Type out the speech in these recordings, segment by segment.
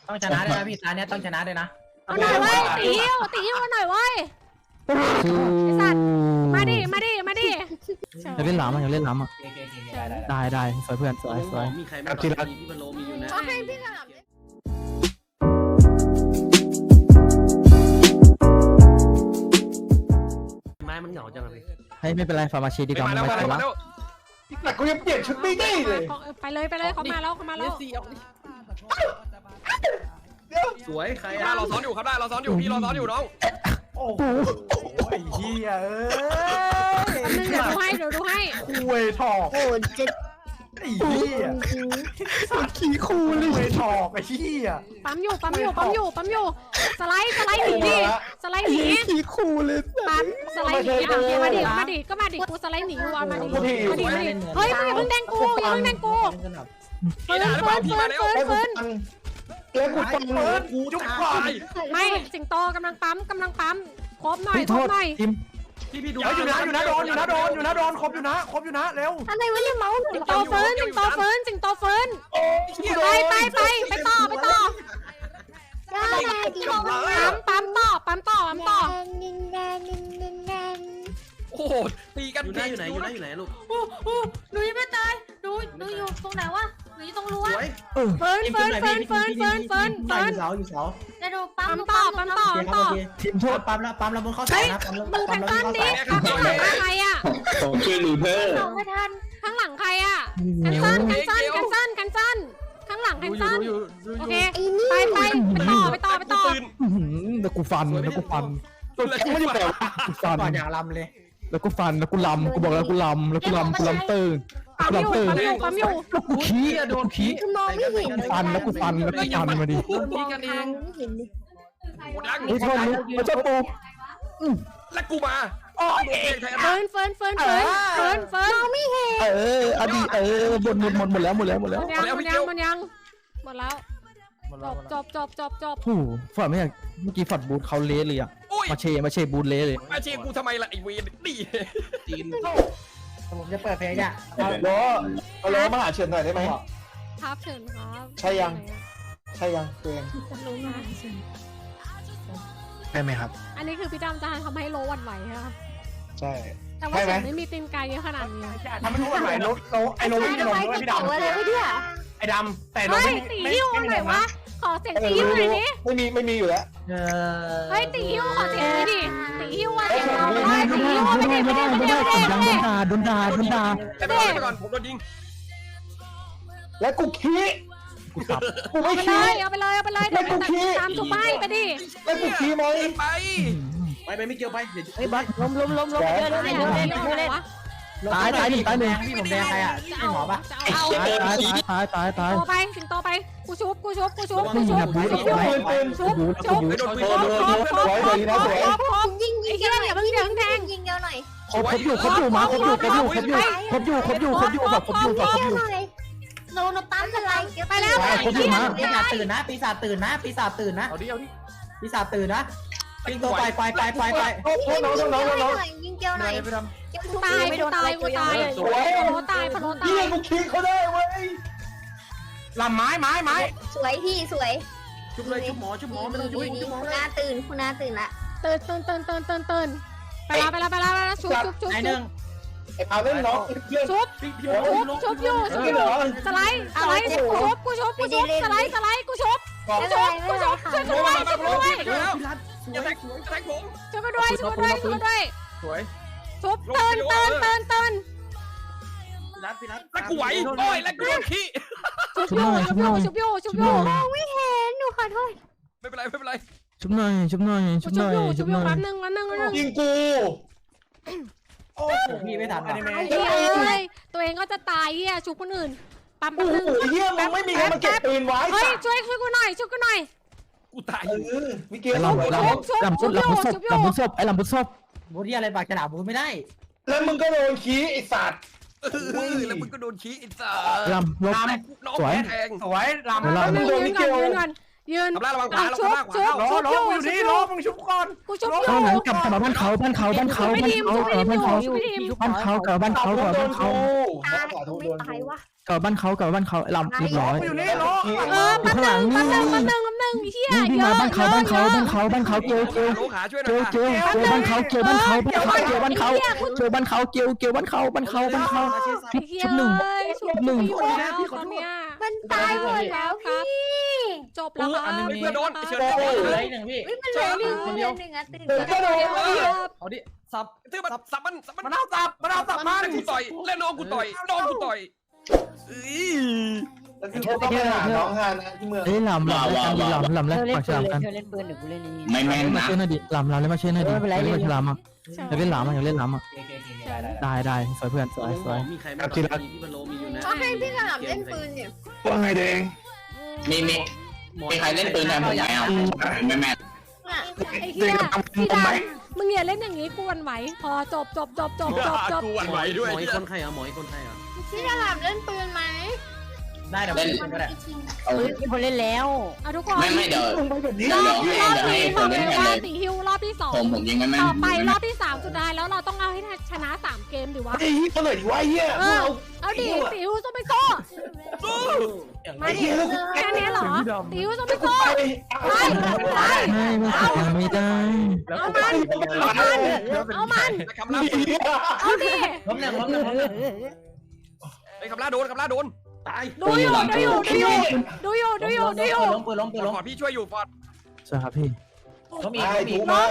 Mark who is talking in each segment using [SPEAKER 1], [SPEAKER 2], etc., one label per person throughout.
[SPEAKER 1] ต้องชนะด้วยนะพี่ตาเนี้ยต้องชนะด้วยนะ
[SPEAKER 2] เอาหน่อยเว้ยตีหิ้วหน่อยเว้ยไอ้สัตว์มาดิ
[SPEAKER 3] อยากเล่นหลามอ่ะอยากเล่นหลามอ่ะ ได้สวยเพื่อนสวย
[SPEAKER 4] มีใครไม่รักที่มันโลมีอยู่นะ
[SPEAKER 2] ก็ให้พี่สลับ
[SPEAKER 4] ไม้มันเหงาจังเลย
[SPEAKER 3] ให้ไม่เป็นไรฟาร์มาชีดีกว่าไม่เป็นไร
[SPEAKER 5] แต่กูยังเปลี่ยนชุดไม่ได้เลย
[SPEAKER 2] ไปเลยเขามาแล้ว
[SPEAKER 4] สวยใคร
[SPEAKER 6] ได้เราซ้อนอยู่ครับได้เราซ้อนอยู่พี่เราซ้อนอยู่น้อง
[SPEAKER 5] โอ้โหไอ้เหี้ยเอ้ย
[SPEAKER 2] นึงเดี๋ยวดูให้
[SPEAKER 5] คุยถอก
[SPEAKER 7] โอ้จะ
[SPEAKER 5] ไอ้เหี้ย
[SPEAKER 3] ขี้คูเลย
[SPEAKER 5] คุยถอกไอ้เหี้ย
[SPEAKER 2] ปั๊มอยู่สไลด์หนีดิสไลด์หนี
[SPEAKER 3] ขี้คูเลย
[SPEAKER 2] ปั๊มสไลด์หนีมาดิกูสไลด์หนีว่ะมาดิเฮ้ยมึงอย่าเพิ่งแดงกูเฟิร์น
[SPEAKER 6] พี่ด่าหรือเปล่าพี่มาแล้ว
[SPEAKER 5] แล้วกูฟังกูจุกก่อน
[SPEAKER 2] ไม่สิงโตกำลังปั๊มครบหน่อย
[SPEAKER 6] พี่ดู
[SPEAKER 5] อยู่นะโดนครบอยู่นะเร็ว
[SPEAKER 7] อะไรวะเนี่ยเมาส์
[SPEAKER 2] สิงโตเฟิร์นไปต่อ
[SPEAKER 7] ได้
[SPEAKER 2] ปั๊มต่อ
[SPEAKER 6] โอ้โหตีกัน
[SPEAKER 4] อยู่ไหนลูก
[SPEAKER 7] หนูยังไม่ตายหนูอยู่ตรงไหนวะหนูอยู่ตรงรั้ว
[SPEAKER 4] สวย
[SPEAKER 2] เฟิร์น
[SPEAKER 1] อยู่เสา
[SPEAKER 7] เดี๋ยวดูปั๊
[SPEAKER 2] ปั๊มต่อ
[SPEAKER 3] ทีมโทษ
[SPEAKER 1] ปั๊มแล้วบนข้อสองนะ
[SPEAKER 2] มือแพนต้นดิข้างหลังใครอ่ะ
[SPEAKER 5] ผมช่วยลูเทอร์
[SPEAKER 7] ส่งไม่ทัน
[SPEAKER 2] ข้างหลังใครอ่ะแคนเซิลข้างหลังแคนเซิลโอเคไปต่อ
[SPEAKER 3] แล้วกูฟันกูไม่ได้แบบกูฟัน
[SPEAKER 1] ก่อนอย่างลำเลย
[SPEAKER 3] แล้วกูฟันแล้วกูลำกูบอกแล้วกูลำตื่น
[SPEAKER 2] ปั๊มอยู่
[SPEAKER 3] แล้วกูขี้โดนขี้
[SPEAKER 7] คือมองไม่เห็น
[SPEAKER 3] ฟันแล้วกูฟันมาดิ
[SPEAKER 6] ตีกันเอง
[SPEAKER 7] ไม่เห็นเลย
[SPEAKER 6] โคตรดัง
[SPEAKER 3] ไอ้ทนมันจะปู
[SPEAKER 6] แล้วกูมาโอ้ยแทน
[SPEAKER 2] เฟิร์น
[SPEAKER 3] อดีหมดแล้วหมดแล้ว
[SPEAKER 2] มันยังหมดแล้วจบ
[SPEAKER 3] โอ้ฝันไม่อยากเมื่อกี้ฝัดบูทเขาเละเลยอ่ะมาเชบูทเละเลย
[SPEAKER 6] มาเชียร์กูทำไมล่ะไอเวนนี่
[SPEAKER 4] จีน
[SPEAKER 1] ผมจะเปิดเพลงอ่ะ
[SPEAKER 5] รอมาหาเฉินหน่อยได้ไหม
[SPEAKER 2] ครับเชิญครับ
[SPEAKER 5] ใช่ยังตัวเอง
[SPEAKER 2] รู้นะ
[SPEAKER 5] ได้ไหมครับ
[SPEAKER 2] อันนี้คือพี่ดำจะทำให้โลวันไหวค่ะ
[SPEAKER 5] ใช่
[SPEAKER 2] แต่ว่าฉันไม่มีตีนไกเยอะขนาดนี้
[SPEAKER 5] ทำไม่รู้ว่าไหนไอ้โนไม่ได้ลงด้วยพี่ดำ
[SPEAKER 7] อะไรวะเนี่ย
[SPEAKER 5] ไอ้ดำแต่โน
[SPEAKER 2] เฮ้ยตีหิ้วหน่อยวะขอเสียงตีหิ้วหน่อยดิ
[SPEAKER 5] ไม่มีอยู่แล้ว
[SPEAKER 2] เฮ้ยตีหิ้วขอเสียงหน่อยดิตีหิ้วอะเสียงเรา
[SPEAKER 3] ไม่
[SPEAKER 2] ได้ตีหิ้วไม่ได้
[SPEAKER 3] โดนด่า
[SPEAKER 6] แต่ไปก่อนผมโดนยิง
[SPEAKER 5] แล้วกูขี้กูไม่
[SPEAKER 2] เอาไปเล
[SPEAKER 5] ขี้
[SPEAKER 2] ยเดี๋ยวตามจุ๊บไปดิ
[SPEAKER 5] แล้วกูขี้ไหม
[SPEAKER 6] ไป
[SPEAKER 4] ไม่เกี่ยวไปเดี๋ยว
[SPEAKER 1] เฮ้ยบอสล้ม
[SPEAKER 3] ตายหนึ่ง
[SPEAKER 1] พี่ผมแดงใครอ่ะไอหมอปะ
[SPEAKER 3] ตาย
[SPEAKER 2] โตไปสิงโตไปกูชุบ
[SPEAKER 3] ปืนไปโดนปืน
[SPEAKER 7] ยิงเยอะหน่อยยิงเยอะหน่อย
[SPEAKER 3] ครบอยู่มาครบอยู่
[SPEAKER 7] โนปั๊มอะไร
[SPEAKER 2] ไปแล้ว
[SPEAKER 1] ปีศาจตื่นนะปีศาจตื่นนะ
[SPEAKER 6] เอาดิ
[SPEAKER 1] ปีศาจตื่นนะวิ่งตัวไป
[SPEAKER 7] ยิงเยอะหน่อย
[SPEAKER 2] ตายพะโลตาย
[SPEAKER 5] เยี่ยกูขี้เขาได้เว้ยลำไม้
[SPEAKER 7] สวยพี่สวย
[SPEAKER 4] ชุบเลยชุบหมอไม่ต้องชุบ
[SPEAKER 7] คุณนาตื่นละ
[SPEAKER 2] ตื่นไปแล้วชุบ
[SPEAKER 1] ไอหนึ่ง
[SPEAKER 5] ไอ้พาเล่นน้องเพื่อน
[SPEAKER 2] ชุบอยู่สไลด์ชุบกูชุบสไลด์กูชุบช่วยด้วย
[SPEAKER 6] อย่าแทงผม
[SPEAKER 2] ช่วยกันด้วย
[SPEAKER 6] สวย
[SPEAKER 2] ชุบตื่น
[SPEAKER 4] พี่รัด
[SPEAKER 6] แล้วกูไหวโอ้ยแล้วกูโดนขี้
[SPEAKER 2] ชุบอยู่
[SPEAKER 7] มองไม่เห็นหนูขอโทษ
[SPEAKER 6] ไม่เป็นไร
[SPEAKER 3] ชุบหน่อย
[SPEAKER 2] แป๊บนึง
[SPEAKER 5] ยิงกูโอ้โห
[SPEAKER 1] พี่ไม่ทัน
[SPEAKER 2] ตัวเองก็จะตายชุบคนอื่นปั๊ม
[SPEAKER 5] โอ้โหเยี่ยมึงไม่มีใครมาเก็บปืนไว้
[SPEAKER 2] เฮ้ยช่วยกูหน่อย
[SPEAKER 6] กูตาย
[SPEAKER 5] มิเกล
[SPEAKER 3] ลำบุศพไอ้ลำบุศพ
[SPEAKER 1] บูที่อะไรปากฉลามบูไม่ได้
[SPEAKER 5] แล้วมึงก็โดนขี้ไอ้สัตว์
[SPEAKER 6] แล้วมึงก็โดนขี้อินซ่า
[SPEAKER 3] ลำลบ
[SPEAKER 6] น้องแทง
[SPEAKER 5] สวยลำ
[SPEAKER 2] ยืน
[SPEAKER 6] ทำลายระวังขวา
[SPEAKER 2] ชุบ
[SPEAKER 5] รออยู่นี่รอมึงชุบก่อน
[SPEAKER 2] กูชุบอยู่
[SPEAKER 3] ข้างหลังกลับบ้านเขาบ้านเขา
[SPEAKER 5] ตายวะ
[SPEAKER 3] บ้านเขาลำเรียบร้อย
[SPEAKER 5] อยู่นี่รอ
[SPEAKER 2] แป๊บนึงเหี้ย
[SPEAKER 3] นี่
[SPEAKER 2] เย
[SPEAKER 3] มา
[SPEAKER 2] อะ
[SPEAKER 3] บ้านเขาเกล
[SPEAKER 6] โลขาช่วยหน่
[SPEAKER 3] เก
[SPEAKER 6] อย
[SPEAKER 3] ลบ้านเขาเกลบ้านเขาเกลบ้านเขาบ้านเขาเกลบ้านเขาชุบหนึ่ง
[SPEAKER 2] ชุบหนึ่งอยู่แล้วตอนเนี้ย
[SPEAKER 7] มันตายหมดแล้วพี่
[SPEAKER 2] จบแล้วครับ
[SPEAKER 6] เพื่อนโดนเชิญ
[SPEAKER 1] เหลืออีกหนึ่งพี่
[SPEAKER 7] มันเหลือหนึ่งคนเดียวหนึ่งอ่ะตื่น
[SPEAKER 4] เอาดิสับ
[SPEAKER 6] เธอมันสับมัน
[SPEAKER 4] มันเอาสับมัน
[SPEAKER 6] กูต่อยแล้วน้องกูต่อยน้องกูต่อย
[SPEAKER 5] ต้องไปหาน้องฮานะที่เมือง
[SPEAKER 3] เฮ้ยลำแล้วปากฉลามกัน
[SPEAKER 8] เล่นปืนเดี๋ยวกูเล่นนี้
[SPEAKER 9] ไม่แม่น
[SPEAKER 3] มา
[SPEAKER 9] นะ
[SPEAKER 3] เชื่อหน่อยดิลำแล้วมาเชื่อหน่อยดิเล่นฉลามอ่ะอยากเล่นหลามอ่ะอยากเล่นหลามอ่ะได้สวยเพื่อนสวย
[SPEAKER 4] มีใครไม่ตอนนี้ที่มันโลมีอยู่นะ
[SPEAKER 7] ก็ให้พี่สนามเล่นปืนเนี่ย
[SPEAKER 5] ว่าไงเด้ง
[SPEAKER 9] มีใครเล่นปืนแทนผมไหมอ่ะไม่แม่น
[SPEAKER 2] ไอ้เหี้ยพี่ดำมึงอย่าเล่นอย่างนี้กูวันไหวพอจบ
[SPEAKER 6] กูหวั่นไหวด้วย
[SPEAKER 4] หมออีกคนใครอ่ะหมออีกคนใครอ่ะ
[SPEAKER 7] พี่สนามเล่นปืนไหม
[SPEAKER 1] ได้เดี๋ยวผมก็ได้
[SPEAKER 8] มีคนเล่นแล้ว
[SPEAKER 2] เอาทุกคน
[SPEAKER 9] ไม่เดี๋ยว
[SPEAKER 2] รอบ
[SPEAKER 9] ให้
[SPEAKER 2] นี้
[SPEAKER 9] ค
[SPEAKER 2] บอน ก
[SPEAKER 9] เล่น
[SPEAKER 2] เลย
[SPEAKER 9] แทน
[SPEAKER 2] ว่า
[SPEAKER 9] เลย
[SPEAKER 2] ตีฮิวรอบที่2
[SPEAKER 9] ผมยิงไม่แม่น
[SPEAKER 2] ต่อไปรอบที่3สุดท้ายแล้วเราต้องเอาให้ชนะ3เกมดิวะ
[SPEAKER 5] ไอ้เหี้ยเขาเลยดิวะไอ้เหี้ย
[SPEAKER 2] เอาดิตีฮิวต้องไปโซ่มาดิแค่นี้เหรอตีฮิวต้องไปโซ่ไป
[SPEAKER 3] ไม่ได้
[SPEAKER 2] เอามัน
[SPEAKER 6] คำล่า
[SPEAKER 2] เอาดิ
[SPEAKER 1] ล้มหนึ่ง
[SPEAKER 6] ไอ้คำล่าโดน
[SPEAKER 4] ตาย
[SPEAKER 2] ดูอยู่
[SPEAKER 1] ล้ม
[SPEAKER 6] ฟอร์ดพี่ช่วยอยู่ฟอร์ด
[SPEAKER 3] ใช่ครับพี่
[SPEAKER 1] ล้มอีก
[SPEAKER 5] ไอ้ถูก
[SPEAKER 2] ล้
[SPEAKER 5] มาม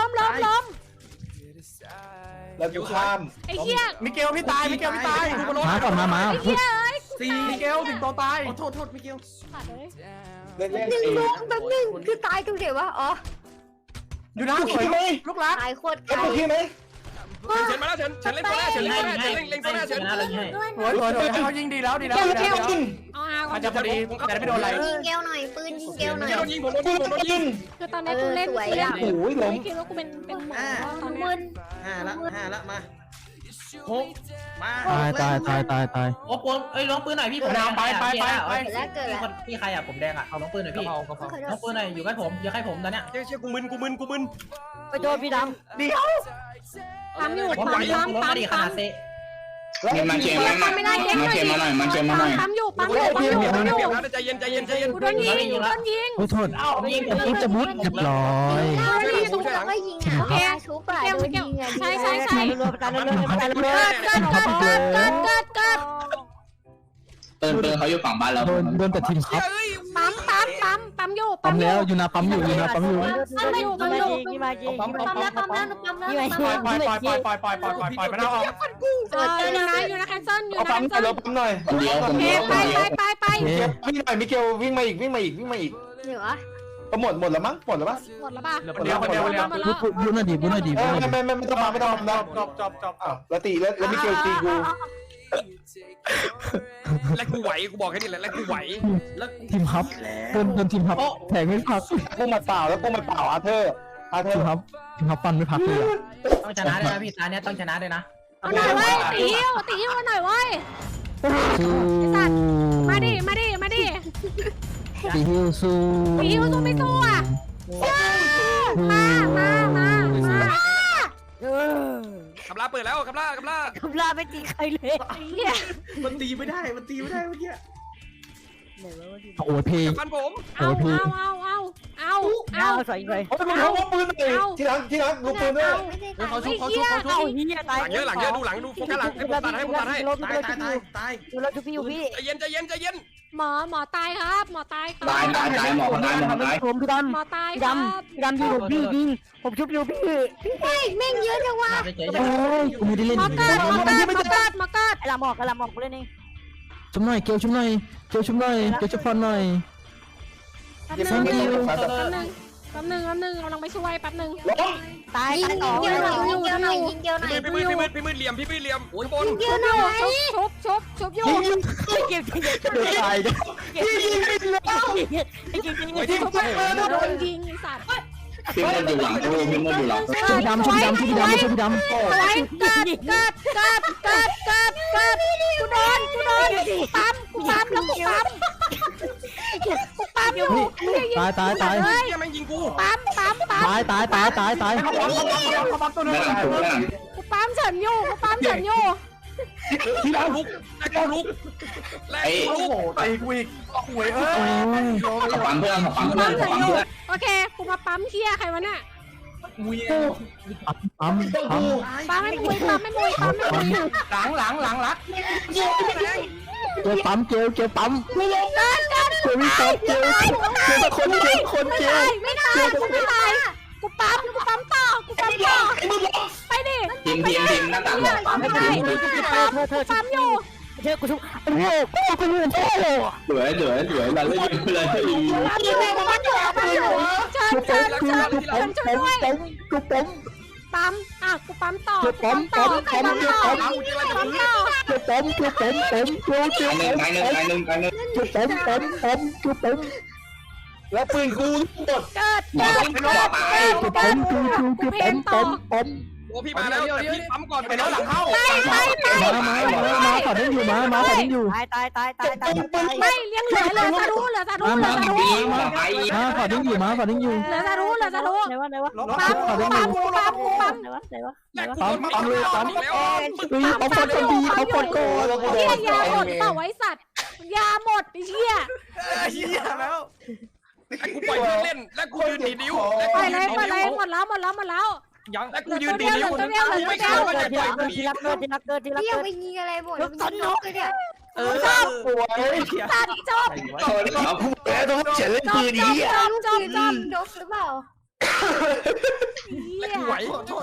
[SPEAKER 5] แล้วกูข้าม
[SPEAKER 2] ไอ้เหี้ย
[SPEAKER 4] มิเกลพี่ตาย
[SPEAKER 3] มาก่อนมา
[SPEAKER 2] ไอ้เหี้ยเอ้ย
[SPEAKER 4] สี่มิเกลถึงตัวตายโทษมิเกล
[SPEAKER 5] เล่น
[SPEAKER 7] หนึ่งลูกแบบหนึ่งคือตายตรงไหนวะอ๋อ
[SPEAKER 5] อยู่นะสวยไหม
[SPEAKER 4] ลูกรัก
[SPEAKER 7] ตายโคตร
[SPEAKER 5] เล่น
[SPEAKER 7] ไกล
[SPEAKER 5] โอเคไหม
[SPEAKER 6] เชิญมาแล้วเชิญเล่นตัวแรกเชิญเล่นตัวแรกเชิญ
[SPEAKER 1] นะเราให้
[SPEAKER 4] เขายิงดีแล้ว
[SPEAKER 2] เอาอา
[SPEAKER 4] มันจะพอดีแต่ไม่โดนอะไร
[SPEAKER 7] ยิงเกลหน่อยปืนยิงเกลหน่อย
[SPEAKER 6] โดนยิงผมโดนยิง
[SPEAKER 2] คือตอนนี้กูเล่น
[SPEAKER 5] โอ้ยล้ม
[SPEAKER 2] ไม่คิดว่ากูเป็นหมอตอนนี้
[SPEAKER 7] มึน
[SPEAKER 4] 5ละมา6มา
[SPEAKER 3] ตาย
[SPEAKER 1] โอ้ปืนเอ้ยล้มปืนหน่อยพี่ผม
[SPEAKER 7] แล้วเกิดแล้ว
[SPEAKER 1] พี่ใครอ่ะผมแดงอ่ะเอาล้มปืนหน่อยพี่ล้มปืนหน่อยอยู่ใกล้ผมอยู่ใกล้ผมตอนเนี้ย
[SPEAKER 6] เชี่ยกูมึน
[SPEAKER 8] ไปโดนพี่ด
[SPEAKER 2] ปั๊มอยู่
[SPEAKER 1] ผม
[SPEAKER 2] ปั๊ม
[SPEAKER 1] ล้มมาดีขนาดเซ
[SPEAKER 9] มันเชียร์มาหน่อยมันเชียร์มาหน่อย
[SPEAKER 2] ปั๊มอยู่
[SPEAKER 6] ใจเย็น
[SPEAKER 2] กูโดนยิง
[SPEAKER 3] โอ้โทษผมจะมุดเรียบร้อย
[SPEAKER 7] ชุบแล้วก็ยิงอ่ะชุบอ่ะโดนยิงอ่ะ
[SPEAKER 2] ใช่
[SPEAKER 8] ำรวมกันเรื่อย
[SPEAKER 2] เกิด
[SPEAKER 9] ปืนเขาอยู่ฝั่งบ้านเรา
[SPEAKER 3] โดนแต่ทีมครับ
[SPEAKER 2] ปั๊มอยู่
[SPEAKER 3] ปั๊มแล้วอยู่นะปั๊มอยู่
[SPEAKER 8] นี่มาจริง
[SPEAKER 7] ปั๊มแล้วปั๊มแล้วปั๊มแล้ว
[SPEAKER 4] ปล่อยมันเอาออก
[SPEAKER 2] อยู่นะแคนเซิลอยู่
[SPEAKER 5] เอา
[SPEAKER 2] นะ
[SPEAKER 5] ปั๊ม
[SPEAKER 2] แคน
[SPEAKER 5] หน่
[SPEAKER 2] เซิ
[SPEAKER 5] อย
[SPEAKER 2] ล
[SPEAKER 5] ปั๊มหน่อย
[SPEAKER 9] คนเดียว
[SPEAKER 2] ไป
[SPEAKER 5] วิ่งหน่อยมิเกลวิ่งมาอีก
[SPEAKER 7] เหนือ
[SPEAKER 5] ก็หมดแล้วมั้งหมดแล้วมั้ง
[SPEAKER 2] หมดแล้วป่ะ
[SPEAKER 4] คนเดียว
[SPEAKER 3] บุญน่ะดี
[SPEAKER 5] ไม่ต้องมาจบแล้วตีแล้วมิเกลตีกู
[SPEAKER 6] และกูไหวกูบอกแค่นี้แหละและกูไหว
[SPEAKER 3] ทีมครับโดนทีมครับแทงไม่พัก
[SPEAKER 5] กูมาเปล่าแล้วกูมาเปล่าอาเธอร์
[SPEAKER 3] ทีมครับปั้นไม่พักเลย
[SPEAKER 1] ต้องชนะด้วยนะพี่ตาเนี้ยต้องชนะด้วยนะ
[SPEAKER 2] เอาหน่อยเว้ยตีฮิวหน่อยเว้ยมาดิ
[SPEAKER 3] ตีฮิวสู้
[SPEAKER 2] ตีฮิวสู้ไม่สู้อ่ะมา
[SPEAKER 6] คำล่าเปิดแล้วคำล่า
[SPEAKER 8] คำลาไม่ตีใครเลย
[SPEAKER 4] มันตีไม่ได้เมื่อกี้
[SPEAKER 3] โอ้ยเพลง
[SPEAKER 6] ฟันผม
[SPEAKER 2] เอา
[SPEAKER 8] ใส่ไป
[SPEAKER 5] โอ้ยมึงเขาปืนเลยที่รักลูกปืนด้วย
[SPEAKER 4] เขาชุบ
[SPEAKER 8] เอาเฮียตาย
[SPEAKER 6] หลังเยอะดูหลังดูโฟกัสหลังให้ผมตัดให้
[SPEAKER 4] ตาย
[SPEAKER 8] ดูแลทุกพี่อยู่พี่
[SPEAKER 6] ใจเย็น
[SPEAKER 2] หมอตายครับหมอตายครับ
[SPEAKER 9] ตายหมอตาย
[SPEAKER 8] ผมพี่ดำ
[SPEAKER 2] หมอตาย
[SPEAKER 8] พี่
[SPEAKER 2] ค
[SPEAKER 8] ด
[SPEAKER 2] รับ
[SPEAKER 8] ำยิงผมพี่ยิงผมชุบอยู่พี่
[SPEAKER 7] เฮ้ยแม่งเยอะจังวะ
[SPEAKER 1] ไปเฉย
[SPEAKER 3] โอ้ยกูไม่ได้เล่น
[SPEAKER 2] หมอเกิด
[SPEAKER 8] ไอ้ลำออกกูเล่นเอง
[SPEAKER 3] ชุบหน่อยเกลชุบหน่อยเกลชุบพรหน่อย
[SPEAKER 2] แป๊บนึงกำลังไปช่วยแป๊บนึง
[SPEAKER 8] ตาย
[SPEAKER 7] ยิงเกลหน่อยยิงเกลหน่อยยิงเกลหน่อย
[SPEAKER 6] พี่มืดเหลี่ยมโอ้ยบน
[SPEAKER 7] ยิงเกลหน่อย
[SPEAKER 2] ชุบอยู่
[SPEAKER 8] เก็บ
[SPEAKER 3] เดือดตายเด้อ
[SPEAKER 2] โดนยิงไอ้สัตว์
[SPEAKER 9] พี่มันอยู่หลัง
[SPEAKER 3] ชุบดำ
[SPEAKER 2] ไว้เกิดกูโดนปั๊มอยู่
[SPEAKER 3] ตาย
[SPEAKER 6] ยังไม่ยิงกู
[SPEAKER 2] ปั๊ม
[SPEAKER 3] ตาย
[SPEAKER 6] ไม่หลัง
[SPEAKER 2] กูปั๊มเฉินอยู่
[SPEAKER 5] ที่รัก
[SPEAKER 6] ลุกแลกลุกแลก
[SPEAKER 4] โอ้
[SPEAKER 6] ลุก
[SPEAKER 4] โหตีกูอีกหวย
[SPEAKER 9] ขอปั๊มเพื่อนขอปั๊มเพื่อนขอปั๊มเพื่อน
[SPEAKER 2] โอเคกูมาปั๊มเฮียใครวะเนี่ย
[SPEAKER 4] มุย
[SPEAKER 3] ปั๊ม
[SPEAKER 2] ปั๊มไม่มุยปั๊มไม่มุยปั๊มไม่มุย
[SPEAKER 4] หลังรัก
[SPEAKER 3] เกลปั๊มเกลปั๊มเกลวิ่งปั๊มเกลคนเกล
[SPEAKER 2] ไม่ได้กูไม่ตายกูปั๊มต่อไปดิ
[SPEAKER 9] ทีมหน้าต่างบอกปั๊ม
[SPEAKER 2] ไม่
[SPEAKER 9] ที
[SPEAKER 2] ได้
[SPEAKER 9] ม
[SPEAKER 2] ปั๊มอยู่
[SPEAKER 8] เธอกูชุบโอ้โหกูเหนื่อยแท้เลย
[SPEAKER 9] เหลือเราเล่นเลย
[SPEAKER 2] เชิญช่วยด้วย
[SPEAKER 3] กูปั๊ม
[SPEAKER 2] ปั๊มกูปั๊มต่อ
[SPEAKER 3] ปั๊ม
[SPEAKER 2] ต่อ
[SPEAKER 6] เอาจริงอะไรจะ
[SPEAKER 2] ปั๊ม
[SPEAKER 6] พื้น
[SPEAKER 2] ต่อ
[SPEAKER 3] กูปั๊มกูปั๊ม
[SPEAKER 5] แล้วปืนกูหมด
[SPEAKER 2] เกิด
[SPEAKER 3] กูปั๊มกูปั๊ม
[SPEAKER 6] โอ้พี่มาแล้วแต่พี่ปั๊มก่อนไปแล้วหลังเข้า
[SPEAKER 3] มาขอดิ้งอยู่มาขอดิ้งอยู่
[SPEAKER 8] ตาย
[SPEAKER 2] ไม่เลี้ยงเหลือซารุเหลือซารุ
[SPEAKER 3] มาขอดิ้งอยู่มาขอดิ้งอยู่
[SPEAKER 2] เหลือซารุ
[SPEAKER 8] ไหนวะ
[SPEAKER 2] ปั๊ม
[SPEAKER 6] แลกคนปั๊มเลยปั๊มแล้ว
[SPEAKER 3] เขาปดดีเขาปดโก
[SPEAKER 2] เฮียยาหมดเปล่าไว้สัตว์ยาหมดไอ้เหี้ย
[SPEAKER 4] เหี้ยแล้ว
[SPEAKER 6] ไอ้กูปล่อยเล่นแล้วกูยืนดีนิ้ว
[SPEAKER 2] ไปเลยหมดแล้ว
[SPEAKER 6] ยังแล้วกูยืนดีนิ้วไม่เข้าก็จะปล่อยกู
[SPEAKER 8] ที่รักเกิด
[SPEAKER 7] พี่ยังไปยิงอะไรหมดยิงนกเลยเนี่ย
[SPEAKER 5] สวย
[SPEAKER 2] ตัดจบ
[SPEAKER 5] แล้วต้องเฉลยปืนนี้
[SPEAKER 7] จบนกหรือเปล่า
[SPEAKER 6] แล้วกูไหว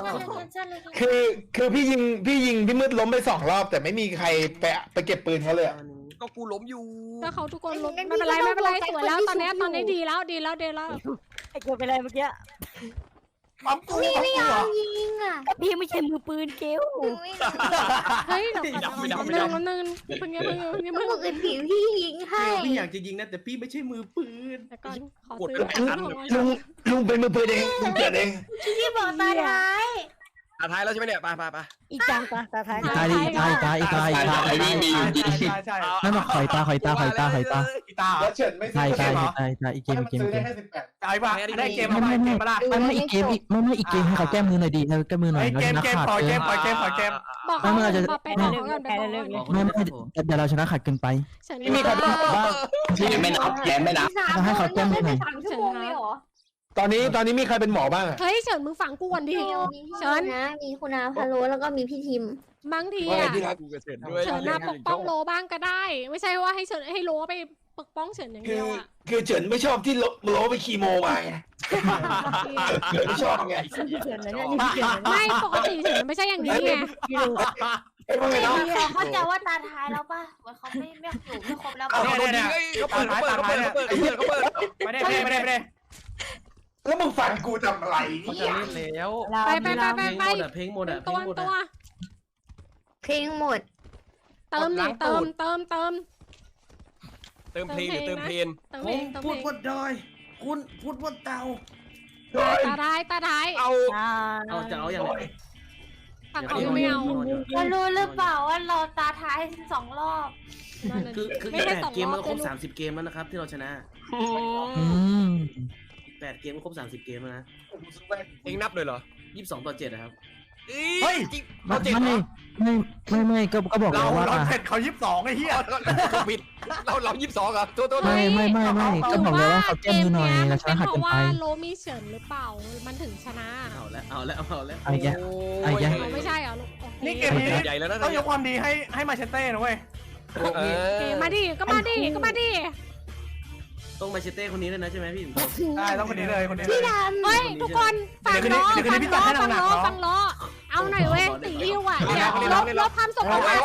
[SPEAKER 5] คือพี่ยิงพี่มืดล้มไป2 รอบแต่ไม่มีใครไปเก็บปืนเขาเลย
[SPEAKER 6] ก็กูล้มอยู่
[SPEAKER 2] ก็เขาทุกคนลงไม่เป็นไรสวยแล้วตอนนี้ดีแล้ว
[SPEAKER 8] ไอ้เกิดไปอะไรเมื่อกี้
[SPEAKER 4] ปั๊มกู
[SPEAKER 7] พี่ไม่ยอมยิงอ่ะ
[SPEAKER 8] พี่ไม่ใช่มือปืนเกล
[SPEAKER 2] เฮ้ยเดี๋ยวเพิ่ง
[SPEAKER 7] ปกติพี่ยิงให้
[SPEAKER 4] พี่อยากจะยิงนะแต่พี่ไม่ใช่มือปืน
[SPEAKER 2] แต่ก่อนขอซื้อ
[SPEAKER 5] ลุงเป็นมือปืนเองลุงเกิดเอง
[SPEAKER 7] พี่บอกตาท้าย
[SPEAKER 6] ท้ายแล้วใช่ไหมเนี่ยไป
[SPEAKER 8] อีกจังตาท้าย
[SPEAKER 3] อีกา
[SPEAKER 9] มีอยู่จริง
[SPEAKER 4] ใช่
[SPEAKER 3] นั่นหรอข่อยตา
[SPEAKER 4] ตาแล้วเฉินไม่
[SPEAKER 3] ใช่อีกเกม
[SPEAKER 5] ซื้อได้แค่18
[SPEAKER 4] ตายป่ะได้เกมอะไรเกมอะไร
[SPEAKER 3] ไม่อีกเกมอีกเกมให้เขาแก้มือหน่อยดีแก้มือหน่อยเราชนะขาด
[SPEAKER 4] ปล่อยเกม
[SPEAKER 2] บอกเขาบอกไปบอกกันไปบอก
[SPEAKER 3] ไม่เดี๋ยวเราชนะขาดเกินไป
[SPEAKER 2] ฉัน
[SPEAKER 3] มีใครบ้าง
[SPEAKER 9] แกไม่นับ
[SPEAKER 3] ให้เขาแก้มือหน่อย
[SPEAKER 7] 3 ชั่วโมงเลยเหรอ
[SPEAKER 5] ตอนนี้มีใครเป็นหมอบ้างอะ
[SPEAKER 2] เฮ้ยเฉินมึงฝังกูก่อนดิ
[SPEAKER 7] มีพี่นะมีคุณอาพาโลแล้วก็มีพี่ทิม
[SPEAKER 2] บางทีอ่ะ
[SPEAKER 6] กูกระเซ็นด้วย
[SPEAKER 2] เฉินน่าปกป้องโลบ้างก็ได้ ไม่ใช่ว่าให้เฉินให้โลไปปกป้องเฉินอย่างเดียวอ่ะ
[SPEAKER 5] คือเฉินไม่ชอบที่โลไปคีโมมาไงไม่ชอบไง
[SPEAKER 2] ไม่ปกติเฉินไม่ใช่อย่างนี้ไง
[SPEAKER 5] ไอ้พวกนี้
[SPEAKER 7] เขาจะว่าตาท้ายแล้วป่ะว่าเขาไม่อยู่ไม่ครบแล้ว
[SPEAKER 6] เขาเปิด
[SPEAKER 4] ไม่ได้
[SPEAKER 5] แล้วมึงฟันกูทำอะไร
[SPEAKER 4] เขา
[SPEAKER 5] เนี่
[SPEAKER 4] จะ
[SPEAKER 5] ย
[SPEAKER 4] เล่นแล้ว
[SPEAKER 2] ไป
[SPEAKER 4] เพลงหมดอ่ะ
[SPEAKER 2] ตัว
[SPEAKER 7] เพลงหมด
[SPEAKER 2] เติมเพลง
[SPEAKER 6] เติมเพลง
[SPEAKER 4] พูดบนดอยคุณพูดบนเตา
[SPEAKER 2] ตาท้าย
[SPEAKER 6] เอา
[SPEAKER 4] เอาจะเอาอย่างไร
[SPEAKER 2] ฝั่งเขาไม่เอา
[SPEAKER 7] ว่ารู้หรือเปล่าว่าเราตาท้าย2 รอบ
[SPEAKER 4] คือ8 เกมมันครบ30 เกมแล้วนะครับที่เราชนะ8 เกมก็ครบ30 เกมแล้วนะ
[SPEAKER 6] เองนับเลยเหรอ
[SPEAKER 4] 22-7นะครับ
[SPEAKER 6] เฮ้ยเราเจ็ดเหรอ
[SPEAKER 3] ไม่ก็บอกแล้วว่า
[SPEAKER 4] เราเจ็ดเขา22ไอ้เหี้ย
[SPEAKER 6] ผิดเรา22อ่ะตัว
[SPEAKER 3] ไม่ก็บอกแล้วว่าเขาแก้มือหน่อยเราช
[SPEAKER 2] เป็
[SPEAKER 3] นะ
[SPEAKER 2] น
[SPEAKER 3] ขาด
[SPEAKER 2] เพ
[SPEAKER 3] เกิน
[SPEAKER 2] ราะ
[SPEAKER 3] ไป
[SPEAKER 2] ว่าโลมีเฉินหรือเปล่ามันถึงชนะ
[SPEAKER 4] เอาแล้ว
[SPEAKER 3] ไอ้แก
[SPEAKER 2] ไม่ใช่เหรอลูก
[SPEAKER 4] นี่เกมนี้
[SPEAKER 6] ใหญ่แล้วนะ
[SPEAKER 4] ต้องยกความดีให้มาเชเต้นะเว้ย
[SPEAKER 2] มาดิก็มาดิ
[SPEAKER 4] ต้องมาเชเต้คนนี้เลยนะใช่ไหมพี่ได้ต้องคนนี้เลยคนนี้
[SPEAKER 7] พี่ดำ
[SPEAKER 2] เฮ้ยทุกคนฟังล้อเอาหน่อยเว้ยตีริ้วอ่ะลบความสกปรกหน่อย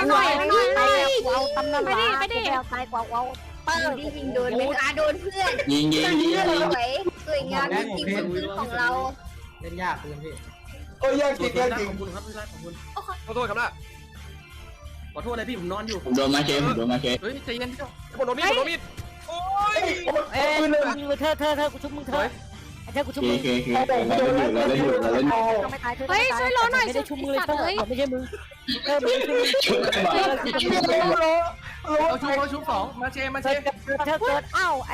[SPEAKER 2] ไปดิ
[SPEAKER 8] ตายกว่าเปิด
[SPEAKER 7] พี่ยิงโดนไหมคะโดนเพื่อน
[SPEAKER 9] ยิง
[SPEAKER 7] สวยสวยงามจริงๆคือของเรา
[SPEAKER 1] เล่นยากเลยพี่
[SPEAKER 5] โอ้ยยากจริง
[SPEAKER 4] ขอบคุณครับพี่รักขอบคุณ
[SPEAKER 6] ขอโทษครับนะ
[SPEAKER 4] ขอโทษเลยพี่ผมนอนอยู่
[SPEAKER 9] โดนมาเค
[SPEAKER 6] เฮ้ยใจเย็นโดนมีดโอ้ย
[SPEAKER 8] เธอกูชุบมึงเธอกูชุบมึง
[SPEAKER 9] เราเล่นอยู่
[SPEAKER 8] ไม่ตาย
[SPEAKER 2] เฮ้ยช่วยล้อหน่อย
[SPEAKER 8] ไม่ได้ชุบมือเลยไม่ใช่มึง
[SPEAKER 4] เราชุบ2มาเช
[SPEAKER 8] เธอเกิดเอ้าไอ้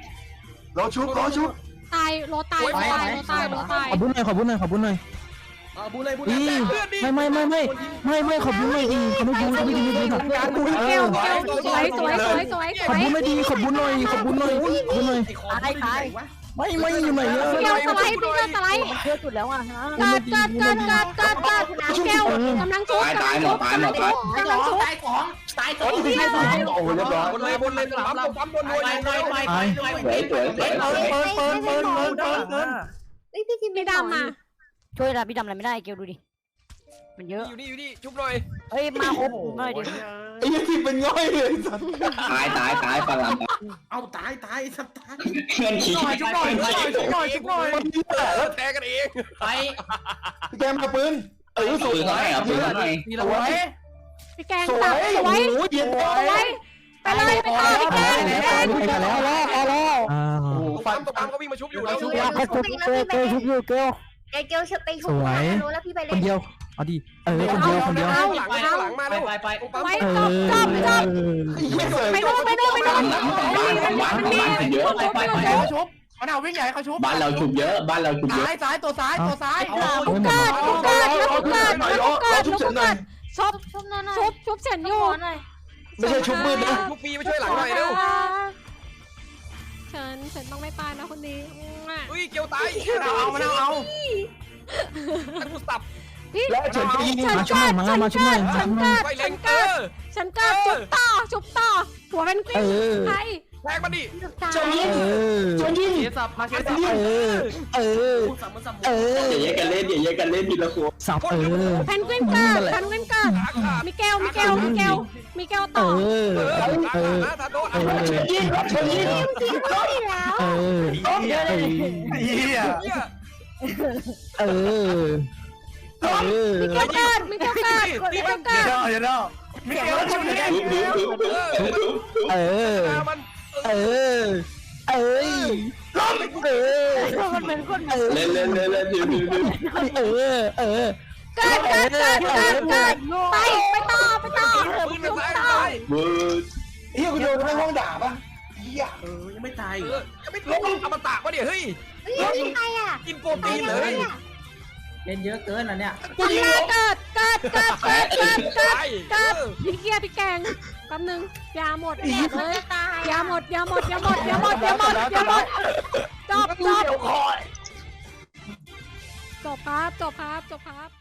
[SPEAKER 5] เราชุบ
[SPEAKER 2] ตายโลตาย
[SPEAKER 3] ขอบุญหน่อย
[SPEAKER 4] บูเลยบู
[SPEAKER 3] อี
[SPEAKER 4] เลย
[SPEAKER 3] ไม่ขอบคุณเลยดีเขาไม่บูไม่ดีไม่ดีหรอก
[SPEAKER 2] เกลสวยสวยสวยสวยส
[SPEAKER 3] ขอบ
[SPEAKER 2] วย
[SPEAKER 3] คุณไม่ดีขอบคุณหน่อยขอบคุณหน่อย
[SPEAKER 4] ไอ้คอ
[SPEAKER 3] ไม่อยู่ไหนอะ
[SPEAKER 2] เกลสไลด์พี่เกลสไลด์
[SPEAKER 8] มันเยอะสุดแล้วอ่ะฮะ
[SPEAKER 2] เกิดเกลกำลังชุบ
[SPEAKER 9] ตายหมด
[SPEAKER 2] กำลังชุบ
[SPEAKER 1] ตายของตายของ
[SPEAKER 3] โอ้เรียบร้อย
[SPEAKER 6] บนเลยปั๊มบน
[SPEAKER 1] ไปไปไปไป
[SPEAKER 2] ไม่ดำมา
[SPEAKER 8] ช่วยละพี่ดำอะไรไม่ได้เกลดูดิมันเยอะ
[SPEAKER 6] อยู่นี่ชุบหน่อย
[SPEAKER 8] เฮ้ยมาครบหน่อยดิ
[SPEAKER 3] ไอ้ยังที่เป็นง่อยเลยสัตว์
[SPEAKER 9] ตายปลาลาม
[SPEAKER 4] เอาตายสัตว์ตาย
[SPEAKER 9] เพื่อนขี่
[SPEAKER 6] ชุบหน่อยแทงกันเอง
[SPEAKER 1] ไป
[SPEAKER 3] แกมาปืนสวย
[SPEAKER 9] ปืนเขาให้อ่ะปืนเขาให้
[SPEAKER 3] สวย
[SPEAKER 2] พี่แกง
[SPEAKER 3] สว
[SPEAKER 2] ตับ
[SPEAKER 3] ย
[SPEAKER 2] สวย
[SPEAKER 3] โอ้เย็น
[SPEAKER 2] สวยไปเลยไปต่อพี่แกง
[SPEAKER 3] ไปแล้ว
[SPEAKER 6] ปั๊มเขาวิ่งมาชุบอยู่แล้ว
[SPEAKER 8] ชุบยาเขาชุบเกลชุบอยู่เกล
[SPEAKER 7] เกลไปชุบรู้แล้วพี่ไป
[SPEAKER 3] ค
[SPEAKER 7] เล่
[SPEAKER 3] น
[SPEAKER 7] น
[SPEAKER 3] เดียวเอาดิคนเดียว
[SPEAKER 6] หลังมา
[SPEAKER 1] ไป
[SPEAKER 6] แล้ว
[SPEAKER 1] ไปไป
[SPEAKER 2] ไว้จบไปโน่น
[SPEAKER 9] เยอะ
[SPEAKER 1] ไปไปไป
[SPEAKER 5] เขาชุบมันเอาวิ่งใหญ่เขาชุบ
[SPEAKER 9] บ้านเราฉุบเยอะบ้านเราฉุบเยอะ
[SPEAKER 5] ซ้ายตัวซ้าย
[SPEAKER 2] เกิดชุบเฉินอยู่
[SPEAKER 3] ไม่ใช่ชุบมืดนะ
[SPEAKER 6] ชุบปีมาช่วยหลังหน่อยเร็ว
[SPEAKER 2] เฉินต้องไม่ตายนะคนนี้
[SPEAKER 6] อุ้ยเกียวตาย
[SPEAKER 5] มันเอา
[SPEAKER 6] กูสับ
[SPEAKER 3] และเฉินไปยิงมาช่วยมาช่วย
[SPEAKER 6] ไฟเล็ง
[SPEAKER 2] ฉันเกิดชุบต่อหัวเป็นกลิ้งใคร
[SPEAKER 6] แทงมาดิ
[SPEAKER 3] จนยิง
[SPEAKER 4] เสียสับมาเสียสับ
[SPEAKER 1] สับมันสับ
[SPEAKER 9] อย่าแยกกันเล่นทีละคน
[SPEAKER 3] สับ
[SPEAKER 2] แพนกวินเกิดมิเกลต่อ
[SPEAKER 6] ทาโดน
[SPEAKER 3] ยิงชนยิง
[SPEAKER 5] เฮีย
[SPEAKER 2] มิเกลเกิดมิเกล
[SPEAKER 5] ชุบนี่
[SPEAKER 6] มัน
[SPEAKER 8] มันเป็นคน
[SPEAKER 9] เล่น
[SPEAKER 2] เ
[SPEAKER 9] ดิ
[SPEAKER 2] กิดไปต่อ
[SPEAKER 6] ปืนมันตาย
[SPEAKER 9] บูด
[SPEAKER 3] เฮียกูโดนในห้องด่าป่ะเฮีย
[SPEAKER 4] ยังไม่ตาย
[SPEAKER 6] ยังไม่ลงอมตะวะเนี่ยเฮ้ย
[SPEAKER 7] ใครอ่ะ
[SPEAKER 6] กินโปรตีนเลย
[SPEAKER 1] เล่นเยอะเกินอ่ะเนี่ย
[SPEAKER 2] เกิดพี่เกียร์พี่แกงแป๊บนึงยาหมดเลยยาหมดจบครับ